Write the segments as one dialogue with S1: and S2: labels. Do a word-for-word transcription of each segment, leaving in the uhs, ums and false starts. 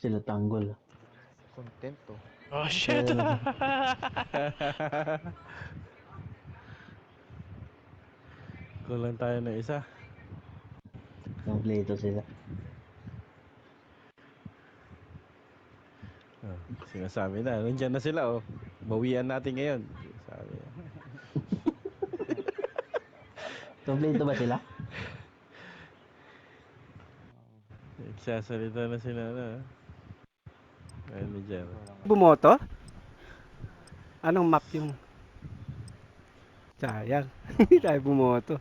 S1: Sila tanggol.
S2: Kontento.
S3: Oh shit!
S4: Kulang tayo na isa.
S1: Kompleto sila.
S4: Oh, sinasabi na, nandiyan na sila oh. Bawian natin ngayon. Sabi.
S1: Kompleto ba sila?
S4: Nagsasalita na sila na. Ayun ni Jer.
S5: Bumoto? Anong map yung? Sayang. Hindi tayo bumoto.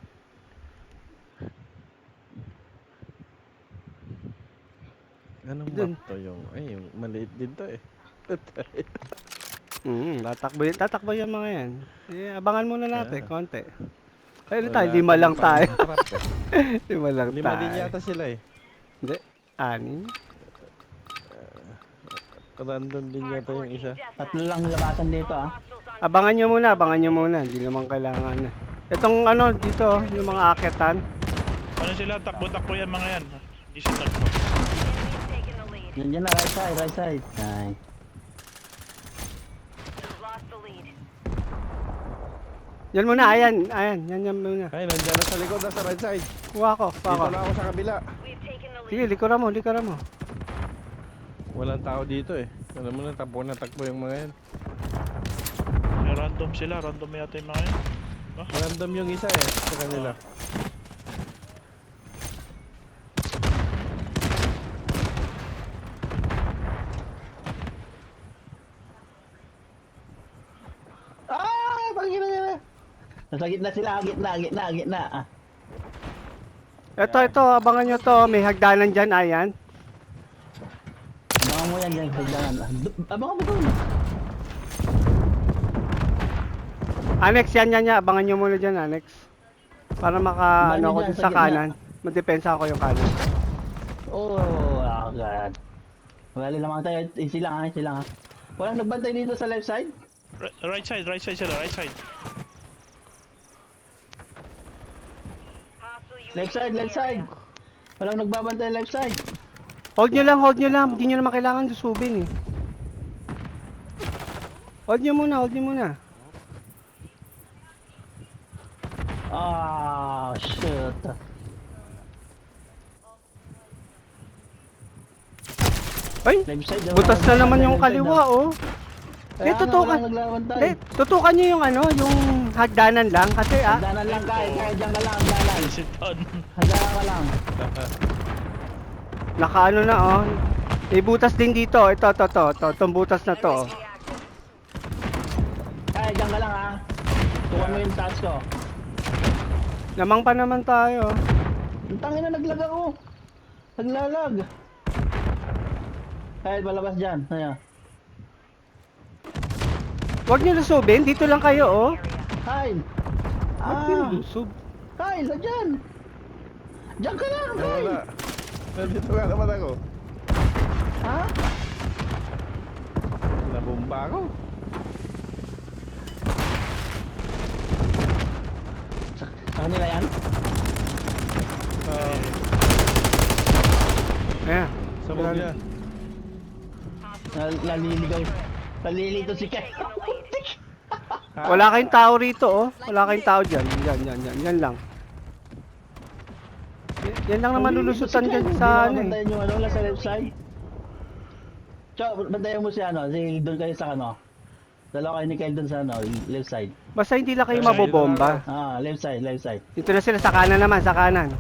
S4: Anong
S5: Dun.
S4: map to yung? Ay, yung maliit din to eh.
S5: Mm, tatakbo, y- tatakbo yung mga yan. Eh, abangan muna natin,
S4: Ah.
S5: konti. Ayun
S4: Wala
S5: tayo, lima lang
S4: tayong
S5: tayo.
S4: pang-trap eh.
S5: lima lang
S4: Lima
S5: tayo.
S4: din yata sila eh.
S5: Hindi, anin.
S4: Random din yata yung isa.
S1: Tatlo lang labasan dito ah.
S5: Abangan nyo muna, abangan nyo muna. Hindi naman kailangan na. Itong ano, dito, yung mga aketan.
S3: Ano sila? Takbo-takbo yan mga yan. Hindi siya takbo.
S1: Yan dyan na, right side, right side. Ay.
S5: Yan muna, ayan, ayan, yan yan muna.
S4: Ay, nandiyan na sa likod, nasa right side.
S5: Kuha ko, kuha ko.
S4: Dito na ako sa kabila.
S5: Sige, likuran mo, likuran mo.
S4: Walang tao dito eh. Alam mo na, takbo na takbo yung mga yan.
S3: Eh, random sila. Random yata yung mga yan.
S4: Random yung isa eh, sa kanila.
S1: Ah! Pangina nila! Nasa gitna sila, gitna, gitna, gitna. Ah.
S5: Ito, ito, abangan nyo to. May hagdanan dyan, ayan.
S1: Abangan mo yan dyan, hagdanan. Ah, du- Abangan mo doon.
S5: Annex, yan, yan, yan. Abangan nyo muna dyan, Annex. Para maka,
S1: Abangan
S5: ano
S1: nyo
S5: ako
S1: dyan,
S5: dun
S1: sa
S5: sa
S1: gitna.
S5: kanan. Madepensa ako yung kanan.
S1: Oh, oh God. Wala lamang tayo, easy lang ha, easy lang ha. Walang nagbantay dito sa left side?
S3: Right, right side, right side sila, right side.
S1: Left side, left side. Walang nagbabantay left side.
S5: Hold nyo lang, hold nyo lang. Hindi nyo naman kailangan susubin eh. Hold nyo muna, hold nyo muna.
S1: Ah, shit.
S5: Ay,
S1: Left side.
S5: butas na naman yung
S1: left side,
S5: kaliwa
S1: ah.
S5: oh.
S1: Kaya
S5: Eh,
S1: nga,
S5: tutukan.
S1: walang nagbabantay.
S5: Eh, tutukan nyo yung ano, yung hagdanan lang. Kasi ah,
S1: Hagdanan lang kaya, kaya dyan ka lang, hagdanan.
S3: Sit down.
S1: Hagdanan ka lang.
S5: nakaano na oh. May butas din dito. Ito, ito, ito. Ito, itong butas na to. oh.
S1: Kaya dyan ka lang ha. Tukan mo yung task ko.
S5: Lamang pa naman tayo.
S1: Ang tangin na naglag ako. Naglalag. Kaya palabas dyan. Ayan.
S5: Huwag nyo lusubin. Dito lang kayo oh.
S1: Kyle.
S5: Huwag nyo
S1: Ah.
S5: lusub.
S1: Kyle, dyan. Dyan ka lang,
S4: Ay,
S1: Kyle.
S4: wala. Nandito nga naman ako.
S1: Ha?
S4: Nabumba ako.
S1: Sa, sa kanila yan?
S4: Uh,
S5: Ayan.
S4: sabog niya.
S1: Nal- Naliligaw. Nalilito si Kyle.
S5: Wala kayong tao rito oh. Wala kayong tao dyan. Yan, yan, yan. Yan lang. Y- yan lang naman lulusutan dyan sa ano eh.
S1: Bantayan yung ano, lang sa left side. Chow, bantayan mo si ano, si doon kayo sa ano. Dalawa kayo ni Kyle doon sa ano, left side.
S5: Basta hindi lang kayo
S4: Ay,
S5: mabobomba.
S1: Ah, left side, left side.
S5: Dito na sila sa kanan naman, sa kanan.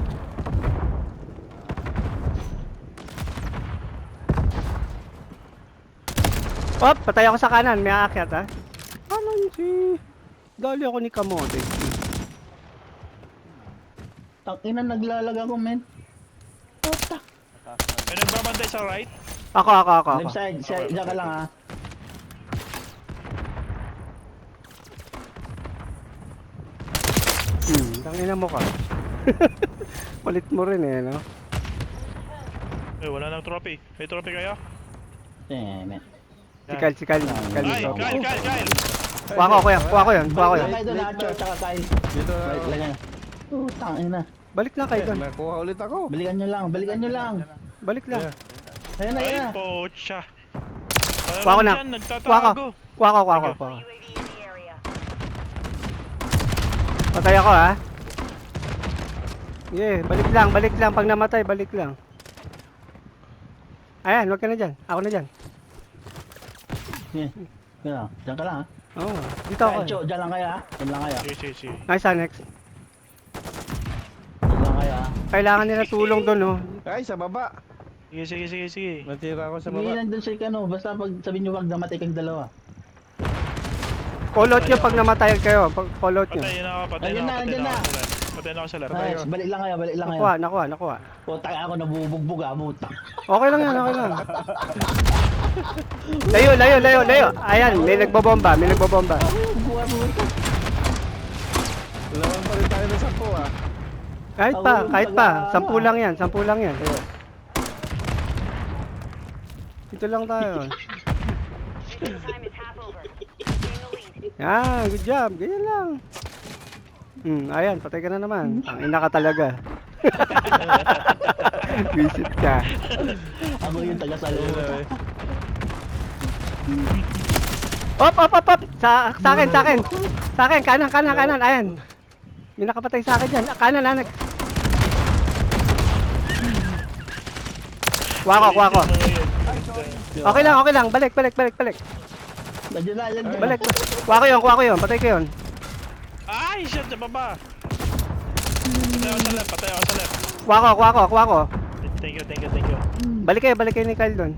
S5: Op, patay ako sa kanan, may aakyat ha. Kanan si... Dali ako ni Kamote.
S1: Tangina, naglalag ako, men. Puta.
S3: May nagbabantay sa right.
S5: Ako, ako, ako, ako.
S1: Left side, siya, diyan ka lang ha.
S5: Hmm, tangina mo ka. Palit mo rin eh, no?
S3: Eh, wala nang trophy. May trophy kayo?
S1: Eh, men.
S5: Sikal, sikal, sikal.
S3: Ay,
S5: ito.
S3: Kyle, Kyle, Kyle!
S5: Kuha ko, kuya, kuha ko yan, kuha ko yan.
S1: Balik lang kayo doon ha, Chow, tsaka Kyle.
S4: Dito na
S1: Balik
S4: ako.
S1: lang yan. Oh, tangina.
S5: Balik lang kayo
S4: Eh,
S5: doon.
S4: nakuha ulit ako.
S1: Balikan nyo lang, balikan nyo lang.
S5: Balik lang.
S4: Yeah.
S1: Ayun na, ayun
S3: Ay,
S1: na.
S3: pocha.
S5: Kuha ko na.
S3: Dyan,
S5: Kuha ko.
S3: nagtatago.
S5: Kuha ko, kuha ko,
S3: Sige.
S5: kuha ko. Patay ako ha. Yeah, balik lang, balik lang. Pag namatay, balik lang. Ayan, huwag ka na dyan. Ako na dyan.
S1: Yeah. Yan, dyan ka lang ha.
S5: Oo, oh, dito ako.
S1: Ay, Cho, dyan lang kaya ha. Dyan lang kaya.
S3: Sige, sige, sige.
S5: Nice, Anex.
S1: Dyan lang kaya ha.
S5: Kailangan nila tulong doon, oh.
S4: Ay, sa baba.
S3: Sige, sige, sige, sige.
S4: Natira ako sa
S1: Hindi
S4: baba.
S1: nandun siya ano, basta pag sabihin nyo wag namatay kang dalawa.
S5: Call out nyo pag namatay kayo. Pag call out nyo.
S3: Patay na ako, patay
S1: Ayun
S3: na
S1: na,
S3: ako, patay
S1: andyan
S3: na
S1: na.
S3: ako sa left. Patay na ako sa left.
S1: Nice, balik lang kaya, balik lang kaya.
S5: Nakuha, nakuha, nakuha.
S1: Puta ako nabubugbog ha, puta.
S5: Okay lang yan, okay lang. Layo, layo, layo, layo. Ayan, may nagbobomba, may nagbobomba.
S1: Buha puta.
S4: Lawan pa rin tayo ng sampo ah.
S5: Kahit pa, kahit pa. Sampu lang yan, sampu lang yan. Dito lang tayo. Yan, good job. Ganyan lang. Hmm, ayan, patay ka na naman. Ang ina ka talaga. Visit ka.
S1: Ako yung taga-salo.
S5: Op, op, op, op. Sa, sa akin, sa akin. Sa akin, kanan, kanan, kanan. Ayan. May nakapatay sa akin dyan. Kanan, anak. Wako, wako. Okay lang, okay lang. Balik, balik, balik, balik.
S1: Nandiyan na, nandiyan.
S5: Balik. Wako yun, wako yun. Patay ko yun.
S3: Ay, shit, sa baba. Patay ako sa left, patay ako sa left.
S5: Wako, wako, wako.
S3: Thank you, thank you, thank you.
S5: Balik kayo, balik kayo ni Kyle doon.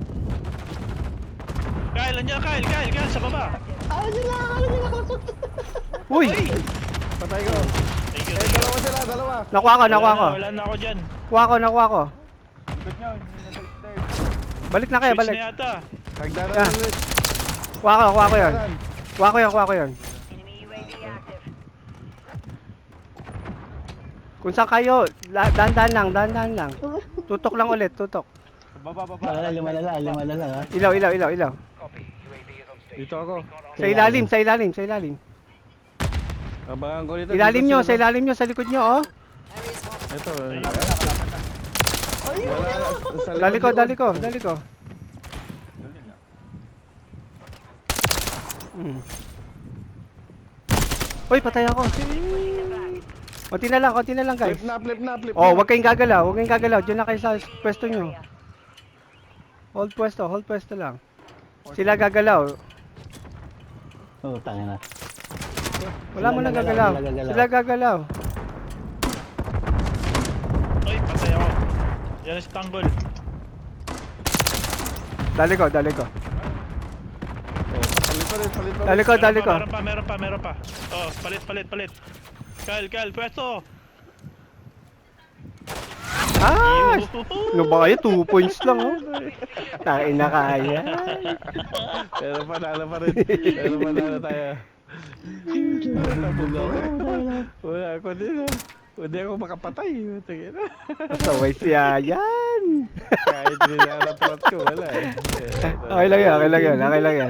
S3: Kyle, nandiyan, Kyle, Kyle, Kyle, sa baba.
S1: Ah, nandiyan na, nandiyan na.
S5: Uy!
S4: Patay ko.
S3: Thank you,
S4: Eh,
S3: thank you.
S4: dalawa sila, dalawa.
S5: Nakuha ko, nakuha ko.
S3: Wala na, wala na ako dyan.
S5: Nakuha ko, nakuha ko. Balik na kayo,
S3: Switch
S5: balik.
S3: na yata.
S4: Hagdanan
S5: Ah.
S4: ulit.
S5: Kuha ko, kuha ko yun. Kuha ko yun, kuha ko yun. Kung saan kayo, la- dahan-dahan lang, dahan-dahan lang. Tutok lang ulit, tutok.
S1: Ah, lima na lang, lima na lang ha.
S5: Ilaw, ilaw, ilaw, ilaw.
S4: Dito ako.
S5: Sa ilalim, sa ilalim, sa ilalim.
S4: Abangan ko dito.
S5: Ilalim
S4: dito
S5: nyo,
S4: sila.
S5: sa ilalim nyo, sa likod nyo, oh.
S4: Ito. eh. Wala, sa
S5: Dali ko,
S4: likod
S5: dali
S4: yun.
S5: ko, dali ko. Hmm. Uy, patay ako. Konti na lang, konti na lang, guys.
S4: Flip na, flip na, flip
S5: Oh,
S4: na.
S5: wag kayong gagalaw, wag kayong gagalaw. Diyan na kayo sa pwesto nyo. Hold pwesto, hold pwesto lang. Sila gagalaw.
S1: Oh, tanga na.
S5: Wala mo
S1: Sila
S5: nang
S1: gagalaw,
S5: gagalaw.
S1: sila gagalaw.
S5: Sila gagalaw.
S3: Ay, patay ako. Yan si Tanggol.
S5: Dali ko, dali ko.
S4: Oh, palit pa rin, palit pa rin.
S5: Dali ko, dali ko.
S3: Meron pa, meron pa, meron pa. Oh, palit, palit, palit. Kyle, Kyle, pwesto.
S5: Ah!
S3: Yuhu.
S5: Ano ba kayo? Two points lang, oh. Tain na kaya.
S4: Pero panalo pa rin. Pero panalo tayo. Wala ako din ah. Hindi ako makapatay. Tingin na.
S5: Saway siya yan.
S4: Kahit nilalap plot ko, wala eh.
S5: Okay lang yan, okay lang yan, okay lang yan.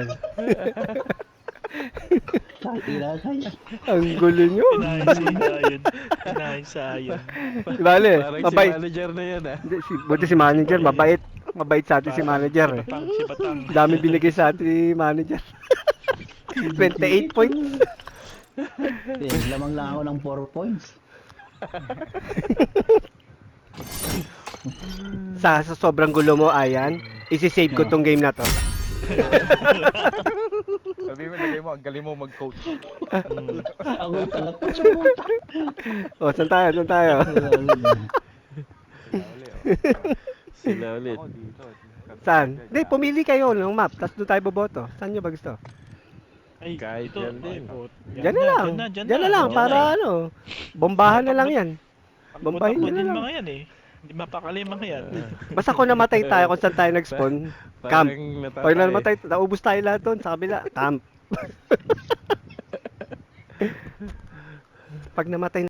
S1: Tira kaya.
S5: Ang gulo nyo.
S3: Inahin sa yun. Inahin sa yun.
S5: Bale,
S4: Parang si
S5: mabait.
S4: manager na yan ah.
S5: Hindi, si, buti si manager, mabait. Mabait sa atin si manager eh.
S3: Batang, si Batang.
S5: Dami binigay sa atin si manager. twenty-eight points.
S1: Eh, lamang lang ako ng four points.
S5: Sa, sa sobrang gulo mo, Ayan, isi-save ko tong game na to.
S2: Sabi mo, lagay mo, ang galing mo mag-coach.
S1: Ako yung talakot sa puta.
S5: O, saan tayo, saan tayo?
S4: Sila ulit.
S2: Ako dito.
S5: Saan? Hindi, pumili kayo ng map, tapos doon tayo boboto. Saan nyo ba gusto?
S3: Ay,
S4: Kahit
S3: ito.
S4: yan din.
S3: Ay, put-
S5: Diyan na lang.
S3: Diyan na, diyan
S5: Diyan na lang,
S3: Diyan
S5: para
S3: na.
S5: ano, bombahan na lang yan.
S3: Ang
S5: Bombahin
S3: putak mo
S5: nyo na
S3: din
S5: lang.
S3: mga yan eh. Hindi mapakali mga yan.
S5: Basta kung namatay tayo kung saan tayo nag-spawn, camp.
S4: Parang natatay.
S5: Pag namatay, naubos tayo lahat doon sa kabila, camp. Pag namatay